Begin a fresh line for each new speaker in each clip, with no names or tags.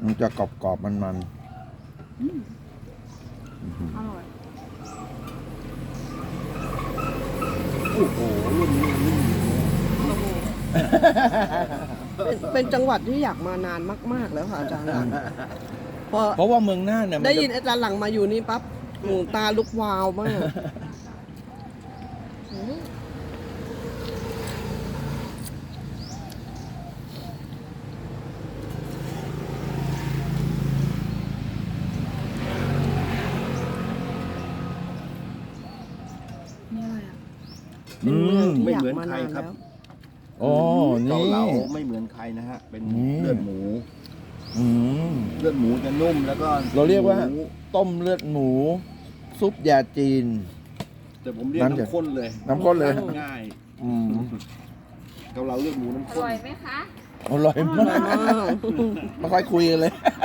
มันจะกรอบๆมัน
อร่อย
โอ้โหรุ่นนี้รุ่นนี้
โอ้โหเป็นจังหวัดที่อยากมานานมากๆแล้วค่ะอาจารย์หลังพอ
ๆเพราะว่าเมืองน่านเนี่ยมั
ได้
จะ
ยินอาจารย์หลังมาอยู่นี่ปั๊บหนูตาลุกวาวมากอืมนี่อะไรอ่ะ เป็นเมืองที่อยากมานานแล้ว
โอ้
เกา
นี่
เหลาไม่เหมือนใครนะฮะ เป็น
นี่
เลือดหมู
อืม
เลือดหมูจะนุ่มแล้วก็
เราเรียกว่า
หมู
ต้มเลือดหมู ซุปยาจีน
แต่ผมเรียก
น้ำจะ
น้ำข้นเลย
น้ำข้นเลย
ง่าย
อืม
เกาเหลาเลือดหมูน้ำ
อ
ข้น
ร่อยไหมคะ
อร่อยมากไม่ค่อยคุยกันเลย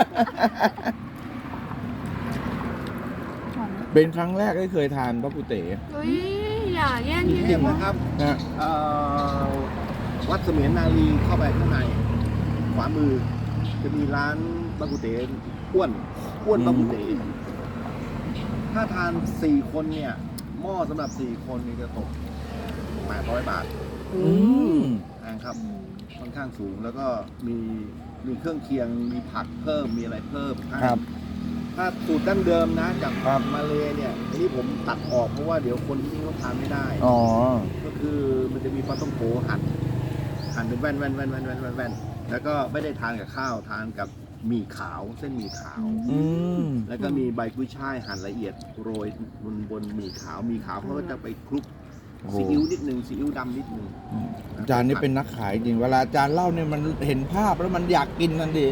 เป็นครั้งแรกที่เคยทานพระกุเต๋
เฮ้ย อย่าแย่ง
เรียกนะครับ
นะ
วัดเสมียนนารีเข้าไปข้างในขวามือ จะมีร้านบะกุเต๋อ้วนบะกุเต๋ถ้าทาน4 คนเนี่ยหม้อสำหรับ4 คนนี่จะตก800 บาท
อื
อื
ม
ม
นะครับค่อนข้างสูงแล้วก็มีเครื่องเคียงมีผักเพิ่มมีอะไรเพิ่มให้
ครับ
ถ้าสูตรดั้งเดิมนะจาก
ครับ
มาเลเนี่ยอันนี้ผมตัดออกเพราะว่าเดี๋ยวคนที่นี่เขาทานไม่ได้
อ๋อ
ก็คือมันจะมีปลาต้องโกหั่นเป็นแว่นแล้วก็ไม่ได้ทานกับข้าวทานกับหมี่ขาวเส้นหมี่ขาว
อืม
แล้วก็มีใบกุ้ยช่ายหั่นละเอียดโรยบนหมี่ขาวเขาก็จะไปคลุก
โอ้โห
ซีอิ๊วนิดนึงซีอิ๊วดำนิดนึง
อาจารย์นี่เป็นนักขายจริง เวลาอาจารย์เล่าเนี่ยมันเห็นภาพแล้วมันอยากกินทันที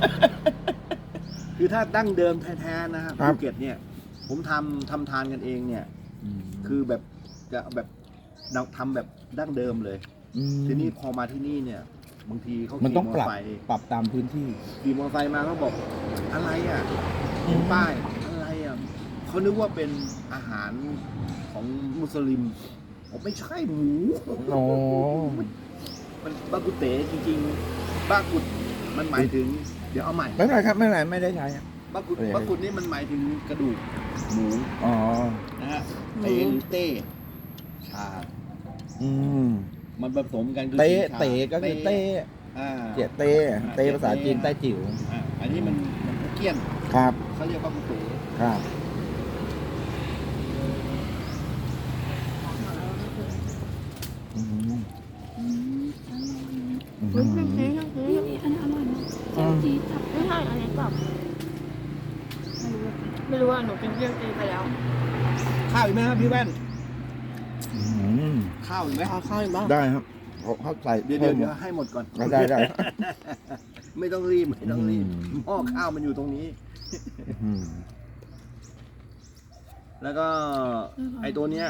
คือถ้าดั้งเดิมแท้ๆนะครับ
ครับ
ภูเก็ตเนี่ย ผมทำทานกันเองเนี่ย คือแบบจะแบบเราทำแบบดั้งเดิมเลย
ม
ทีนี้พอมาที่นี่เนี่ย บางทีเขา
มัน
ขี่
ต้อง
มอ
ป
เต
รั
อบ ร์ไซค์
ปรับตามพื้นที่
ขี่มอเตอร์ไซค์มาเขาบอกอะไรอ่ะป้ายอะไรอ่ะเขานึกว่าเป็นอาหารของมุสลิมผมไม่ใช่หมู
โอ้
มันบากุเต๋จริงๆบากุดมันหมายถึง เดี๋ยวเอาใหม่
ไม่เป็นไรครับไม่เป็นไรไม่ได้ใช้ครับ
บากุด
โอเค
บากุดนี่มันหมายถึงกระดูกหมู
อ๋อ
นะฮะเต้หรือเต้ชา
อืม
มันผสมกันคือ
เต้
สีชา
เต๋ก็คือเต้
อ่า
เจียเต้เต้ภาษาจีนใต้จิ๋ว
อันนี้มันเกี้ยน
ครับ
เขาเรียกบากุเต๋
ครับอืม
เฮ้ยไม่ซื้อยังซื้ออันนี้อร่อยนะเจียวจี๊ดครับไม่ใช่อันนี้แบบไม่รู้ว่าหนูกินเจียวจี๊ดไปแล้ว
ข้าวอีกไหมครับพี่แว่น
อืม
ข้าวอีกไหม
เอาข้าวอีกบ้าง
ได้ครับเขาใส่
เดี๋ยว
พิ่ม
ให้หมดก่อน
ได้ได้
ไม่ต้องรีบไม่ต้องรีบ
อืม
หม้อข้าวมันอยู่ตรงนี้
อืม
แล้วก็ไอ้ตัวเนี้ย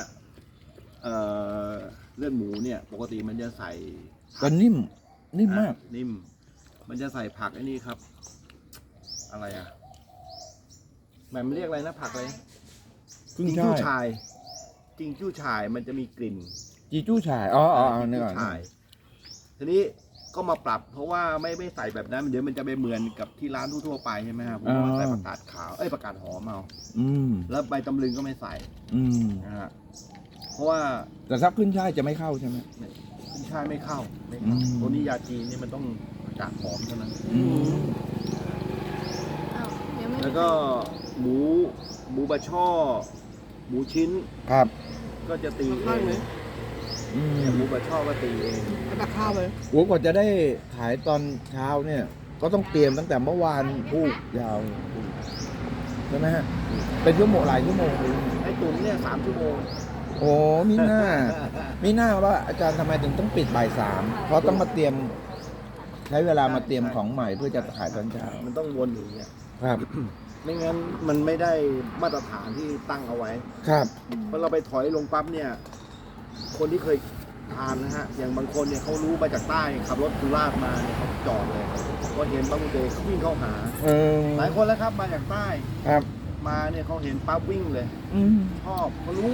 เลือดหมูเนี่ย ปกติมันจะใส่
ก็นิ่มมาก
นิ่ม มันจะใส่ผักไอ้นี่ครับ อะไรอ่ะแหม่มันเรียกอะไรนะผักอะไร
ขึ้น
จิง
ช่า
จู้
ย
ชายจิงจู้ชายมันจะมีกลิ่น
จีจู้ฉายอ๋อ
จิง
นี่
จู้
ก่อน
ชายทีนี้ก็มาปรับ เพราะว่าไม่ใส่แบบนั้นเดี๋ยวมันจะไปเหมือนกับที่ร้านทั่วๆไปใช่ไหมครับผมว่าใส่ผักกาดขาวผักกาดหอมเอา
อืม
แล้วใบตำลึงก็ไม่ใส่
อืม
นะฮะเพราะว่า
แต่ถ้าขึ้นช่ายจะไม่เข้าใช่ไหม
ขึ้นช่ายไม่เข้า
อืม
ตัวนี้ยาจีนนี่มันต้องผักกาดหอมเท่านั้น
อืม
อ้าวยังไม่
แล้วก็หมูบะช่อ หมูชิ้น
ครับ
ก็จะตี
เอา
เอ
ข้าวไหม
ง
อืม
เนี่ยหมูบะช่อก็ตีเอง
เอาตักข้าวไป
โอ้กว่าจะได้ขายตอนเช้าเนี่ย ก็ต้องเตรียมตั้งแต่เมื่อวานพูกยาวใช่ไหมฮะ เป็นชั่วโมงหลายชั่วโมงเลย
ไอ้ตุ๋นเนี่ย3 ชั่วโมง
โอ้มีหน้า มีหน้าว่าอาจารย์ทำไมถึงต้องปิดบ่ายสามเพราะต้องมาเตรียม ใช้เวลามาเตรียมของใหม่เพื่อจะขายตอนเช้า
มันต้องวนอย่างเงี้ย
ครับ
ไม่งั้นมันไม่ได้มาตรฐานที่ตั้งเอาไว้
ครับ
พอเราไปถอยลงปั๊บเนี่ย คนที่เคยทานนะฮะ อย่างบางคนเนี่ยเขารู้มาจากใต้ขับรถสุราษฎร์มาเนี่ยเขาจอดเลยพอเห็นปั๊บเดย์เขาวิ่งเข้าหา
เออ
หลายคนแล้วครับมาจากใต้
ครับ
มาเนี่ยเขาเห็นปั๊บวิ่งเลย
อืม
ชอบเขารู้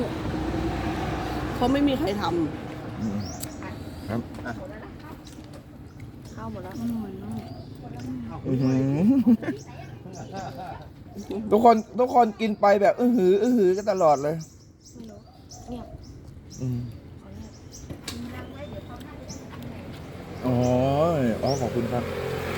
เขาไม่มีใครท
อืมครับ
เข้าเอาหมดแล้ว
อร่อยมาก
อื้อหือทุกคนกินไปแบบอื้อหือกันตลอดเลย
ไม่รู้เงียบ
อืม
ขอเงียบ
อ๋อขอบคุณครับ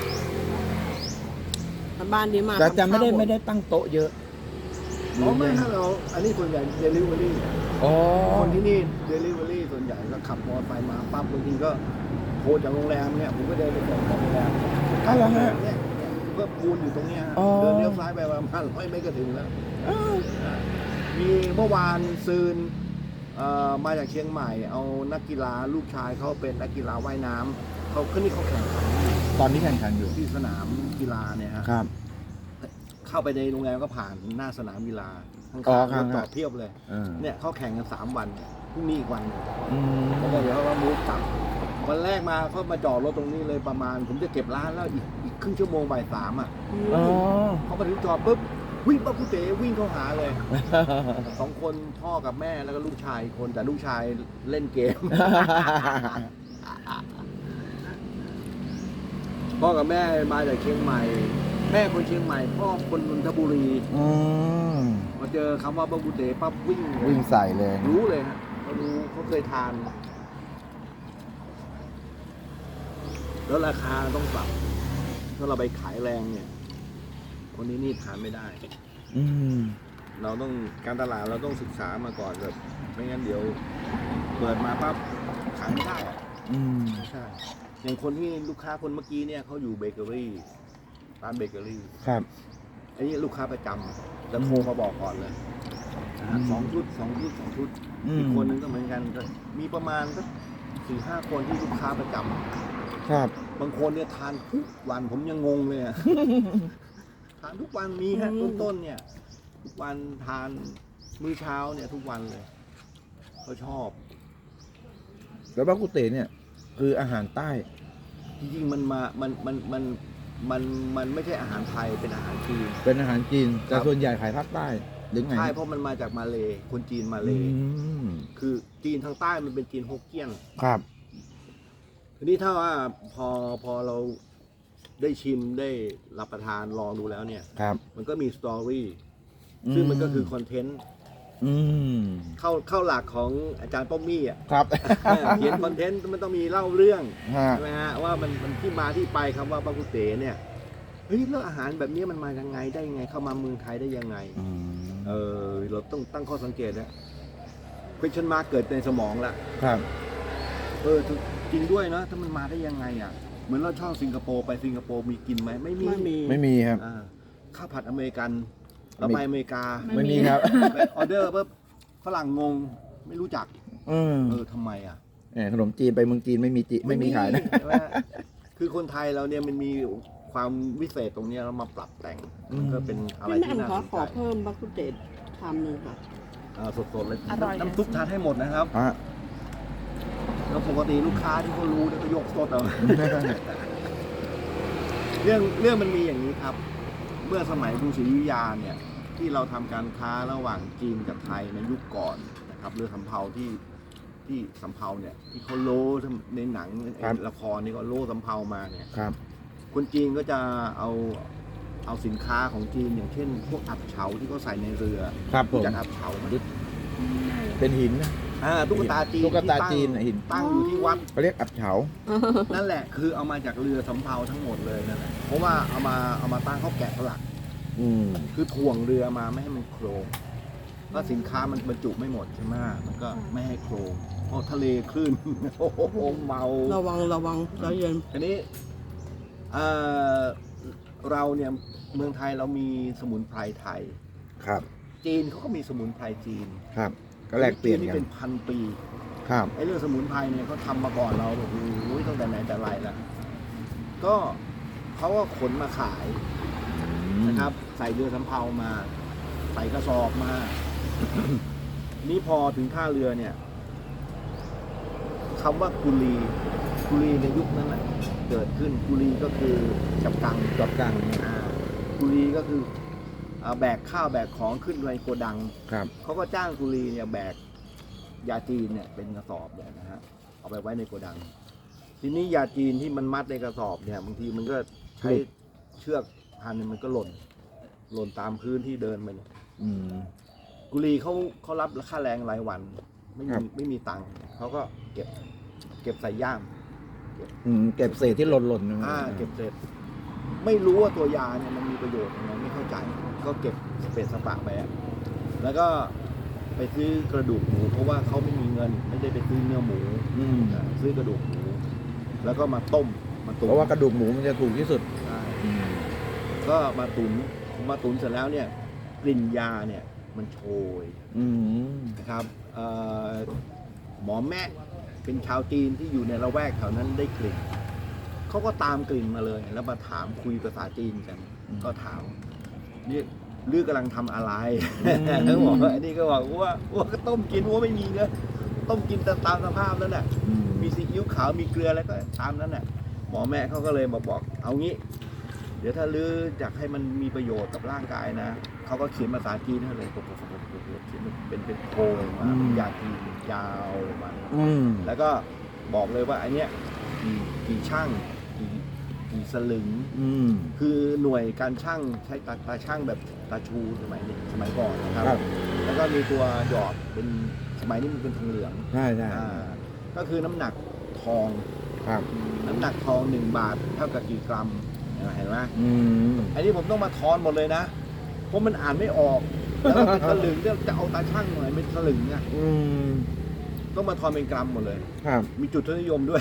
บ้านนี้มา
แต่จะ
ทำข้าว
ไม่ได้ตั้งโต๊ะเยอะ
อ๋อไม่ถ้าเราอันนี้ส่วนใหญ่เดลิเวอรี่
อ๋อ
คนที่นี่เดลิเวอรี่ส่วนใหญ่ก็ขับมอเตอร์ไซค์มาปั๊บบางทีก็โทรจากโรงแรมเนี่ยผมก็เดินไปส่งของโรงแรม
อ้าวเหรอฮะ
เนี่ยก็ปูนอยู่ตรงเนี้ยฮะ
อ๋อ
เดินเลี้ยวซ้ายไปประมาณ100 เมตรก็ถึงแล้ว มีเมื่อวานซืนมาจากเชียงใหม่ เอานักกีฬาลูกชายเขาเป็นนักกีฬาว่ายน้ำเขาขึ้นนี่เขาแข่งขันอยู่
ตอนนี้แข่งขันอยู่
ที่สนามกีฬาเนี่ยฮะ
ครับ
เข้าไปในโรงแรมก็ผ่านหน้าสนามกีฬาข้าง
อ๋อ
ๆ
ครั
ร
บ
ถจอดเพียบเลย เนี่ยเขาแข่งกัน3 วันพรุ่งนี้อีกวันหนึ่ง
อืม
แล้วก็เดี๋ยวเขาก็มูฟกลับวันแรกมาเขามาจอดรถตรงนี้เลยประมาณ ผมจะเก็บร้านแล้วอีกครึ่งชั่วโมงบ่าย 3อ่ะ
อ๋อ
เขามาถึงจอดปุ๊บวิ่งปั๊บกูเต๋วิ่งเข้าหาเลย 2 คนพ่อกับแม่แล้วก็ลูกชายอีกคนแต่ลูกชายเล่นเกม พ่อกับแม่มาจากเชียงใหม่ แม่คนเชียงใหม่พ่อคนนนทบุรี
อืม
มาเจอคำว่าบังกุเต๋ปั๊บวิ่งเลย
วิ่งใส่เลย
รู้เลยฮะเขารู้เขาเคยทาน แล้วราคาต้องปรับถ้าเราไปขายแรงเนี่ย คนนี้นี่ทานไม่ได้
อืม
เราต้องการตลาดเราต้องศึกษามาก่อนแบบไม่งั้นเดี๋ยวเปิดมาปั๊บขายไม่ได้อะ
อืม
ไม่ใช่อย่างคนที่ลูกค้าคนเมื่อกี้เนี่ยเขาอยู่เบเกอรี่ร้านเบเกอรี่
ครับ
อันนี้ลูกค้าประจำจะโทรมาบอกก่อนเลยนะฮะ
อืม
2 ชุด 2 ชุด 2 ชุด
อืม
อีกคนนึงก็เหมือนกันก็มีประมาณก็4-5 คนที่ลูกค้าประจำ
ครับ
บางคนเนี่ยทานทุกวันผมยังงงเลยอะ ทานทุกวันมีฮะต้นๆเนี่ย ทุกวันทานมื้อเช้าเนี่ยทุกวันเลยเขาชอบ
แล้วบากุเตเนี่ย คืออาหารใต้
จริงๆมันไม่ใช่อาหารไทยเป็นอาหารจีน
เป็นอาหารจีน แต่
ครับ
ส่วนใหญ่ขายภาคใต้หรือไง
ใช่เพราะมันมาจากมาเลย์คนจีนมาเล
อื
ย์
ม
คือจีนทางใต้มันเป็นจีนฮกเกี้ยน
ครับ
ทีนี้ถ้าว่าพอเราได้ชิมได้รับประทานลองดูแล้วเนี่ย
ครับ
มันก็มีสตอรี่ซึ่งมันก็คือคอนเทนต์
อืม
เข้าหลักของอาจารย์ป้อมมี่อ่ะ
ครับ
เขียนคอนเทนต์มันต้องมีเล่าเรื่อง
ฮะ
ใช่ไหมฮะว่ามันที่มาที่ไปคำว่าบากุเตเนี่ยเฮ้ยแล้วอาหารแบบนี้มันมายังไงได้ยังไงเข้ามาเมืองไทยได้ยังไง
อืม
เราต้องตั้งข้อสังเกตนะ question mark เกิดในสมองละ
ครับ
จริงด้วยนะถ้ามันมาได้ยังไงอ่ะเหมือนเราชอบสิงคโปร์ไปสิงคโปร์มีกินไหมไม่มี
ไม่มี
ไม่มีครับ
อ่าข้าวผัดอเมริกันเราไปอเมริกา
ไม่มีครับ
ไปออเดอร์ปุ๊บฝรั่งงงไม่รู้จัก
อืม
ทำไมอ่ะ
ขนมจีนไปเมืองจีนไม่มีขายนะ
ใช่ไหมคือคนไทยเราเนี่ยมันมีความวิเศษตรงเนี้ยเรามาปรับแต่งมันก็เป็นอะไร
พี่แหม่
ที่
ม
น่า
ข
ส
อน ข
ใจ
อเพิ่มบักกุเตชามหนึ่งค่ะ
สดๆเลย
อร่อย
น้ำซุปทานให้หมดนะครับ
ฮะ
แล้วปกติลูกค้าที่เขารู้เนี่ยก็ยกสดเอา เรื่องมันมีอย่างนี้ครับ เมื่อสมัยกรุงศรีอยุธยาเนี่ย ที่เราทำการค้าระหว่างจีนกับไทยในยุคก่อนนะครับเรือสำเภาที่สำเภาเนี่ย ที่เขาโล่ในหนังในละครนี่ก็โล่สำเภามาเนี่ย
ครับ
คนจีนก็จะเอาสินค้าของจีนอย่างเช่น พวกอับเฉาที่เขาใส่ในเรือ
ครับผม
จากอับเฉาไหม
เป็นหินนะ
ตุ๊กตาจีน
ตุ๊กตา
ที่
จีนหิน
ตั้งอยู่ที่วัด
เขาเรียกอับเฉา
นั่นแหละคือเอามาจากเรือสำเภาทั้งหมดเลยนั่นแหละเพราะว่าเอามาตั้งเขาแกะสลัก
อืม
คือถ่วงเรือมาไม่ให้มันโครงเพราะสินค้ามันบรรจุไม่หมดใช่ไหมมันก็ไม่ให้โครงเพราะทะเลคลื่น โอ้โหเมา
ระวังใจเย็น
ทีนี้เราเนี่ยเมืองไทยเรามีสมุนไพรไทย
ครับ
จีนเขาก็มีสมุนไพรจีน
ครับ ก็แลกเปลี่ยน
จีนี่
กั
เป็น นพันปี
ครับ
ไอ้เรื่องสมุนไพรเนี่ยเขาทำมาก่อนเราโอ้โหตั้งแต่ไหนแต่ไรแล้วก็เขาก็ขนมาขายนะครับ ใส่เรือสำเภามา ใส่กระสอบมา นี่พอถึงท่าเรือเนี่ยคำว่ากุลีในยุคนั้นแหละเกิดขึ้นกุลีก็คือจับกัง
จอบกลาง
กุลีก็คือแบกข้าวแบกของขึ้นไปโกดัง
ครับ
เขาก็จ้างกุลีเนี่ยแบกยาจีนเนี่ยเป็นกระสอบเนี่ยนะฮะเอาไปไว้ในโกดังทีนี้ยาจีนที่มันมัดในกระสอบเนี่ยบางทีมันก็ใช้เชือกพันมันก็หล่นตามพื้นที่เดินไปเนี่ย
อืม
กุลีเขารับค่าแรงรายวันไม่
ครั
มี
บ
ไม่มีตังค์เขาก็เก็บใส่ย่าม
เก็บเศษที่หล่นๆนะ
เก็บเสร็จไม่รู้ว่าตัวยาเนี่ยมันมีประโยชน์ยังไงไม่เข้าใจ ก็เก็บสเปซสปะไปอะแล้วก็ไปซื้อกระดูกหมูเพราะว่าเขาไม่มีเงินไม่ได้ไปซื้อเนื้อหมู
อืม
ซื้อกระดูกหมูแล้วก็มาต้มมาตุ๋น
เพราะว่ากระดูกหมูมันจะถูกที่สุด
ใช่
อืม
ก็มาตุ๋นเสร็จแล้วเนี่ยกลิ่นยาเนี่ยมันโชย
อืม
นะครับหมอแม่เป็นชาวจีนที่อยู่ในละแวกแถวนั้นได้กลิ่นเขาก็ตามกลิ่นมาเลย แล้วมาถามคุยภาษาจีนกัน ก็ถามนี่ลือกำลังทำอะไรเขาบอกว่าอันนี้ก็บอกว่าก็ต้มกินว่าไม่มีเงินต้มกินตามสภาพแล้วน่ะ
อืม
มีซีอิ๊วขาวมีเกลืออะไรก็ตามนั้นน่ะหมอแม่เขาก็เลยมาบอกเอางี้ เดี๋ยวถ้าลืออยากให้มันมีประโยชน์กับร่างกายนะเขาก็เขียนภาษาจีนให้เลยเขียนเป็นโพยมาเป็นยาจีนยาวมา
อืม
แล้วก็บอกเลยว่าอันเนี้ยกี่ช่างกี่สลึง
อืม
คือหน่วยการช่างใช้ตาช่างแบบตาชูสมัยก่อนนะครับ
ครับ
แล้วก็มีตัวหยอดเป็นสมัยนี้มันเป็นทองเหลือง
ใช่ใช่
ก็คือน้ำหนักทอง
ครับ
น้ำหนักทอง1 บาทเท่ากับกี่กรัมเห็นไหม
อืม
อันนี้ผมต้องมาทอนหมดเลยนะเพราะมันอ่านไม่ออกแล้วก็เป็นสลึงเนี่ยจะเอาตาช่างหน่อยเป็นสลึงเนี่ย
อืม
ต้องมาทอนเป็นกรัมหมดเลย
ครับ
มีจุดทศนิยมด้วย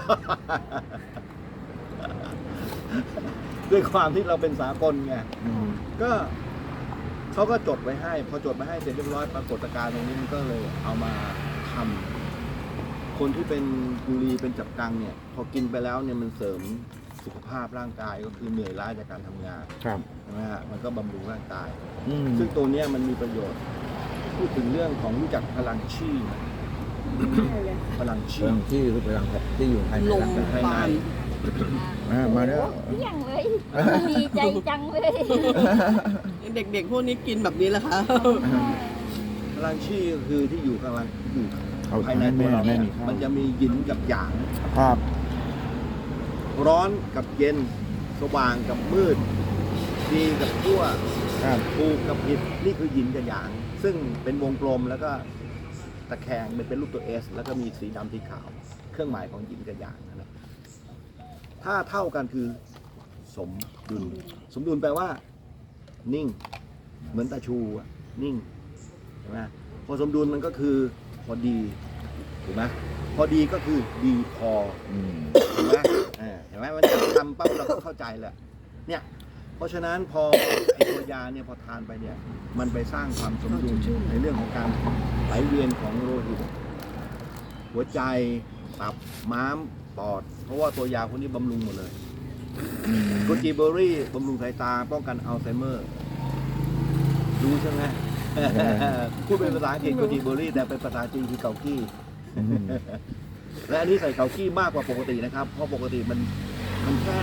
ด้วยความที่เราเป็นสากลไง
อืม
ก็เขาก็จดไว้ให้ พอจดไว้ให้เสร็จเรียบร้อยปรากฏการณ์ตรงนี้มันก็เลยเอามาทำคนที่เป็นกุลีเป็นจับกังเนี่ย พอกินไปแล้วเนี่ยมันเสริมสุขภาพร่างกายก็คือเหนื่อยล้าจากการทำงาน
ครับ
ใช่ไหมฮะมันก็บำรุงร่างกาย
อืม
ซึ่งตัวเนี้ยมันมีประโยชน์ พูดถึงเรื่องของรู้จักพลังชีไหมพลังชี
เรื่องที่คือพลังที่อยู่ภายในร่างกาย
ภายใน
มาแล้ว
เที่ยงเลยดีใจจังเลย
เด็กๆพวกนี้กินแบบนี้แหละคะ
พลังชีก็คือที่อยู่กำลังอยู่
เอา
ภายในตัวเรา
แม่
เนี่ย
มีข้าว
มันจะมีหยินกับหยาง
ครับ
ร้อนกับเย็น สว่างกับมืด ดีกับชั่ว
ครับ
ถูกกับผิดนี่คือหยินกับหยาง ซึ่งเป็นวงกลมแล้วก็ตะแคงเป็นรูปตัวเอสแล้วก็มีสีดำสีขาว เครื่องหมายของหยินกับหยางนะครับถ้าเท่ากันคือสมดุล สมดุลแปลว่า นิ่ง เหมือนตาชูอะนิ่งใช่ไหมพอสมดุลมันก็คือพอดีถูกไหมพอดีก็คือดีพอ
อืม
เห็นไหมเห็นไหมมันจะทำปั๊บเราก็เข้าใจแหละเนี่ย เพราะฉะนั้นพอไอตัวยาเนี่ยพอทานไปเนี่ย มันไปสร้างความสมดุลในเรื่องของการไหลเวียนของโลหิต หัวใจ ตับ ม้าม ปอด เพราะว่าตัวยาพวกนี้บำรุงหมดเลยโกจิเบอร์รี่บำรุงสายตา ป้องกันอัลไซเมอร์ รู้ใช่ไหม พูดเป็นภาษาอังกฤษโกจิเบอร์รี่แต่เป็นภาษาจีนคือเกากี้
อืม
และอันนี้ใส่เกากี้มากกว่าปกตินะครับ เพราะปกติมันแค่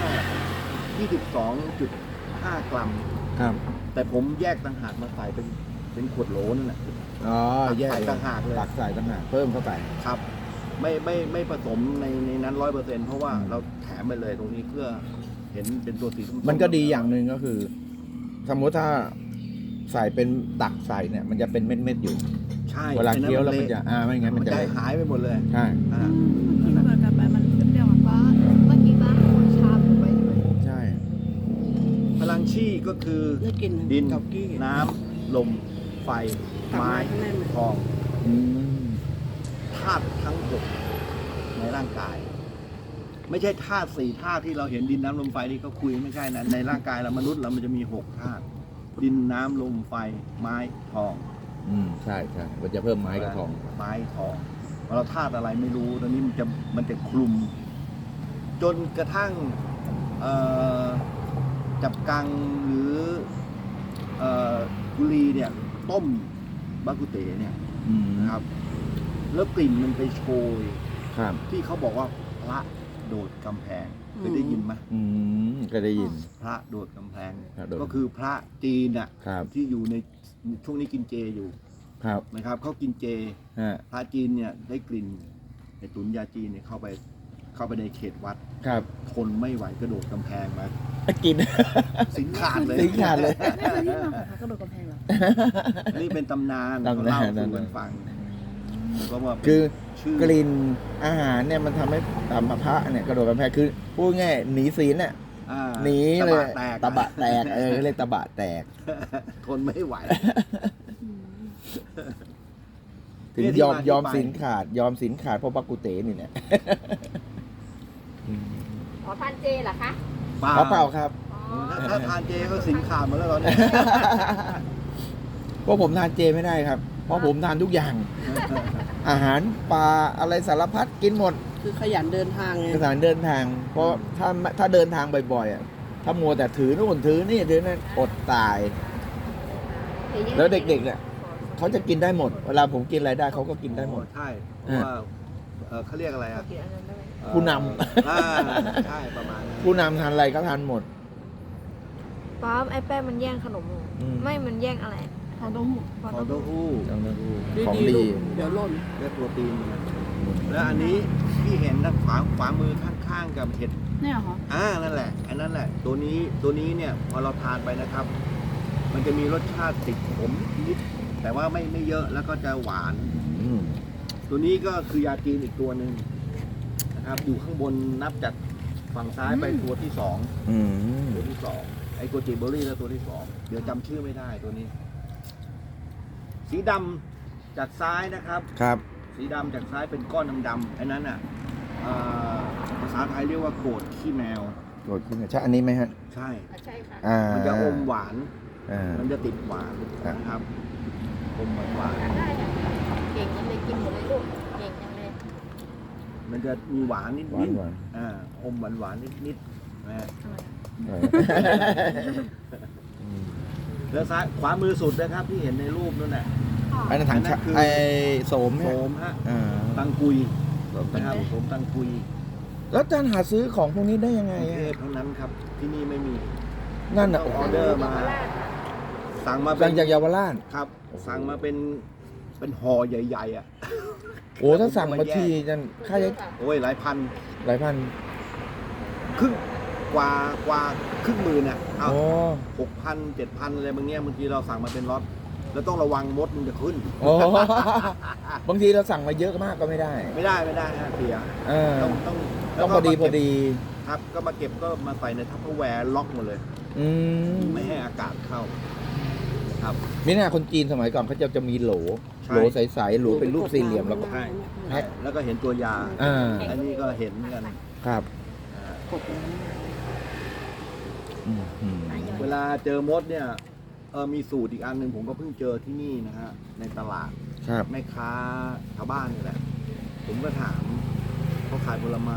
22.5 กรัม
ครับ
แต่ผมแยกต่างหากมาใส่เป็นขวดโหลนั่นแหละ
อ๋อแยก
ใส่ต่างหากเลย
ตักใส่ต่างหากเพิ่มเข้าไป
ครับ ไม่ผสมในนั้น100%เพราะว่าเราแถมไปเลยตรงนี้เพื่อเห็นเป็นตัวสีส้มๆ
มันก็ดีอย่างหนึ่งก็คือ สมมติถ้าใส่เป็นตักใส่เนี่ย มันจะเป็นเม็ดๆอยู่
ใช่
เวลาเคี้ยวแล้วมัน
ไอ้
จะไม่งั้น
มั
มัน น
จะ
จะ
หายไปหมดเลย
ใช่
อ่า
กินเปิดกันไปมันเปรี้ยวๆ
ป้าเมื่อกี้ป้าคนชามไว้ด้วย
ใช่
พลังชีก็คือ
ได้กิน
ดิน
เกากี้
น้ำลม ไฟ ไม้
ข้างในมัน
ทอง
อืม
ธาตุทั้งหกในร่างกาย ไม่ใช่ธาตุสี่ธาตุที่เราเห็นดินน้ำลมไฟที่เขาคุยไม่ใช่นะในร่างกายเรามนุษย์เรามันจะมี6 ธาตุดินน้ำลมไฟ ไม้ทอง
ใช่ใช่มันจะเพิ่มไม้กับทอง
ไม้ทองเราธาตุอะไรไม่รู้ตอนนี้มันจะคลุม จนกระทั่งจับกังหรือกุลีเนี่ย ต้มบากุเตเนี่ย
อืม
นะครับ แล้วกลิ่นมันไปโชย
ครับ
ที่เขาบอกว่าพระโดดกำแพงเคยได้ยินไหม
ก็ได้ยิน
พระโดดกำแพง
พระโดด
ก็คือพระจีนน่ะ
ครับ
ที่อยู่ในช่วงนี้กินเจอยู่
ครับ
นะครับเขากินเจ
ฮะ
พระจีนเนี่ยได้กลิ่นในตุนยาจีนเนี่ยเข้าไปเข้าไปในเขตวัด
ครับ
ทนไม่ไหวกระโดดกำแพงมา
กิน
สินขาดเลย
สินขาดเลย
ไม่เคยที่มาของพระกระโดดกำแพงเหรอ
นี่เป็นตำนาน
ตำนาน
เขาเล่าสู่กันฟังก็ว่าเป็น
คือ
ชื่อก
ลิ่นอาหารเนี่ยมันทำให้ตามพระเนี่ยกระโดดกำแพงคือพูดง่ายหนีศีลเนี่ย
อ่า
หนีเลย
ตะบะแตก
เรียกตะบะแตก
ทนไม่ไหว
ถึง
เนี่ยที่
ยอม
มาที่
ยอม
ไป
ศีลขาดยอมศีลขาดเพราะบักกุเตนี่เนี่ย
ขอทานเจเหรอคะ
เปล่า
เปล่าครับ
อ๋อ
ถ้าทานเจก็สินขาดหมาแล้วตอนนี้
เพราะผมทานเจไม่ได้ครับ เพราะผมทานทุกอย่าง อาหารปลาอะไรสารพัดกินหมด
คือขยันเดินทางไง
สถานเดินทาง เพราะถ้าเดินทางบ่อยๆอ่ะถ้ามัวแต่ถือนู่นถือนี่ถือนั่นอดตาย แล้วเด็กๆเนี่ยเขาจะกินได้หมด เวลาผมกินอะไรได้เขาก็กินได้หมด
ใช่เพราะว่าเขาเรียกอะไรอ่ะ
ผู้น
ใช่ประมาณนั้น
ผู้นำทานอะไรก็ทานหมด
ป๊าบไอ้แป้งมันแย่งขนมหนู
อืม
ไม่มันแย่งอะไร
ทองเต้าหู้
ฟองเต้าหู้
ของ
ๆ
ดี
ลูกเดี๋ยวหล่น
และโปรตีนนะแล้วอันนี้ที่เห็นนะขวามือข้างๆกับเห็ด
เนี่ยเหรอ
นั่นแหละอันนั้นแหละ ตัวนี้เนี่ยพอเราทานไปนะครับ มันจะมีรสชาติติดขมนิดแต่ว่าไม่เยอะแล้วก็จะหวาน
อืม
ตัวนี้ก็คือยาจีนอีกตัวหนึ่งนะครับ อยู่ข้างบนนับจากฝั่งซ้ายไปตัวที่สอง
อืม
ตัวที่สองไอโกจิเบอรี่แล้วตัวที่สองเดี๋ยวจำชื่อไม่ได้ตัวนี้ สีดำจากซ้ายนะครับ
ครับ
สีดำจากซ้ายเป็นก้อนดำๆไอ้นั้นอ่ะภาษาไทยเรียกว่าโกรธขี้แมว
โกรธขึ้นใช่อันนี้ไหมฮะ
ใช่
ใช่ค่ะ
อ่า
มันจะอมหวาน
อ่า
มันจะติดหวานนะครับอมหวาน
ได้ค่ะเก่งจังเลยกินหมดเลยลูก เก่งจังเลย
มันจะมีหวานนิด
หวาน
ๆ
หวาน
อมหวานนิดๆนะฮะ
อืม
แล้วซ้ายขวามือสุดนะครับที่เห็นในรูปนั่นแหละ
อันนั้นถังชา
อันนั้นคือ
ไอโสม
โส
เนี่ย
มฮะ
อ่า
ตังกุย
โสมตัง
นะครับ
กุย
โสมตังกุย
แล้วอาจารย์หาซื้อของพวกนี้ได้ยังไง
กรุง
อะ
เทพเท่านั้นครับ ที่นี่ไม่มี
นั่น
ต้
อ่ะ
องออเดอร์มา สั่งมาเป็
สั่
น
งจากเยาวราช
ครับ สั่งมาเป็นห่อใหญ่ๆอ่ะ
โอ้ถ้าสั่งมาทีจะค่าใช้
โอ้ยหลายพัน
หลายพัน
ครึ่งกว่าครึ่งหมื่นอ่ะเอา
โอ้
6,000 7,000อะไรบางเนี้ยบางทีเราสั่งมาเป็นล็อตแล้วต้องระวังมดมันจะขึ้น
โอ้ บางทีเราสั่งมาเยอะมากก็ไม่ได้
ไม่ได้ฮะเสีย
เออ
ต้อง
ต้องพอดี
แล้วก็
พอดี
ครับ ก็มาเก็บก็มาใส่ในทัพเปอร์แวร์ล็อกหมดเลย
อืม
ไม่ให้อากาศเข้าครับ
นี่นะคนจีนสมัยก่อนเขาจะมีโหล
ใช่
โหลใสๆโหลเป็นรูปสี่เหลี่ยมแล้วก็
ใช่
แพ็ค
แล้วก็เห็นตัวยา
อ่า
อันนี้ก็เห็นเหมือนกัน
ครับ
อ่า
กบน้
อืมอืม
เวลาเจอมดเนี่ยมีสูตรอีกอันหนึ่งผมก็เพิ่งเจอที่นี่นะฮะในตลาด
ครับ
แม่ค้าชาวบ้านนี่แหละ ผมก็ถามเขาขายผลไม้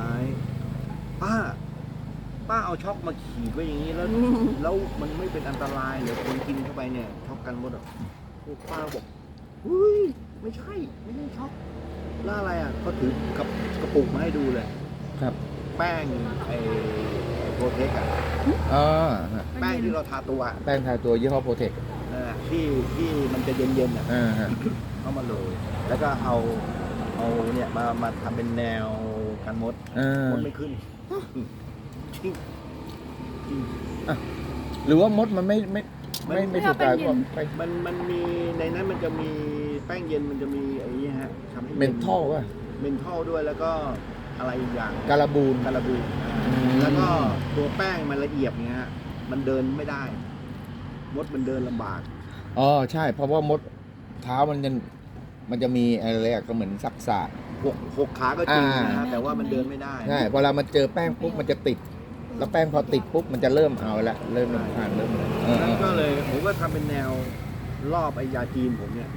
ป้าเอาช็อกมาขีดไว้อย่างนี้แล้ว แล้วมันไม่เป็นอันตรายเหรือคนกินเข้าไปเนี่ยช็อกกันมดเหรอพวกป้าบอกเฮ้ยไม่ใช่ช็อกแล้วอะไรอ่ะก็ถือกระปุกมาให้ดูเลย
ครับ
แป้งไอ้โปรเทคอะ
อ่าฮะ
แป้งที่เราทาตัวอะ
แป้งทาตัวยี่ห้อโปรเทค
นั่นแหละที่มันจะเย็นๆอ่ะ
อ่าฮะ
เข้ามาเลยแล้วก็เอาเนี่ยมาทำเป็นแนวกันมด
อ่าม
ดไม่ขึ้นจริงจริง
หรือว่ามดมันไม่ถูกกายก็ไป
มันมีในนั้นมันจะมีแป้งเย็นมันจะมีไอ้นี่ฮะทำให้
เมนทอลว่ะ
เมนทอลด้วยแล้วก็อะไรอีกอย่าง
การาบูน
การาบู
ม
แล้วก็ตัวแป้งมันละเอียดเงี้ยฮะมันเดินไม่ได้ มดมันเดินลำบาก
อ๋อใช่ เพราะว่ามดเท้ามันจะมีอะไรอะก็เหมือนสักษะ
หกขาก็จริงนะ
อ่า
ฮะแต่ว่ามันเดินไม่ได้
ใช่พอเรามาเจอแป้งปุ๊บมันจะติด แล้วแป้งพอติดปุ๊บมันจะเริ่มเอาละเริ่มรำคาญเริ่มเออ
นั้นก็เลยผมก็ทำเป็นแนวรอบไอยาจีนผมเนี่ย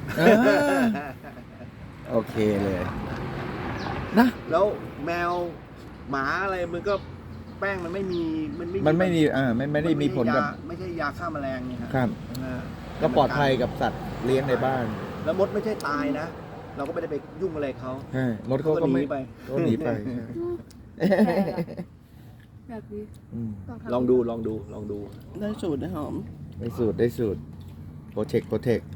โอเคเลยนะ
แล้วแมวหมาอะไรมันก็แป้งมันไม่มี
มันไม่มีไม่ได้มีผลกับ
ไม่ใช่ยาฆ่าแมลงเนี่ย
ครับ
นะฮะ
ก็ปลอดภัยกับสัตว์เลี้ยงในบ้าน
แล้วมดไม่ใช่ตายนะ เราก็ไม่ได้ไปยุ่งอะไรเขา
ใช่มดเขาก็
ห
ไม่
นีไป
ก็หนีไป
แบบนี้
อืม
ลองดู
ได้สูตรนะหอม
ได้สูตรโปรเทค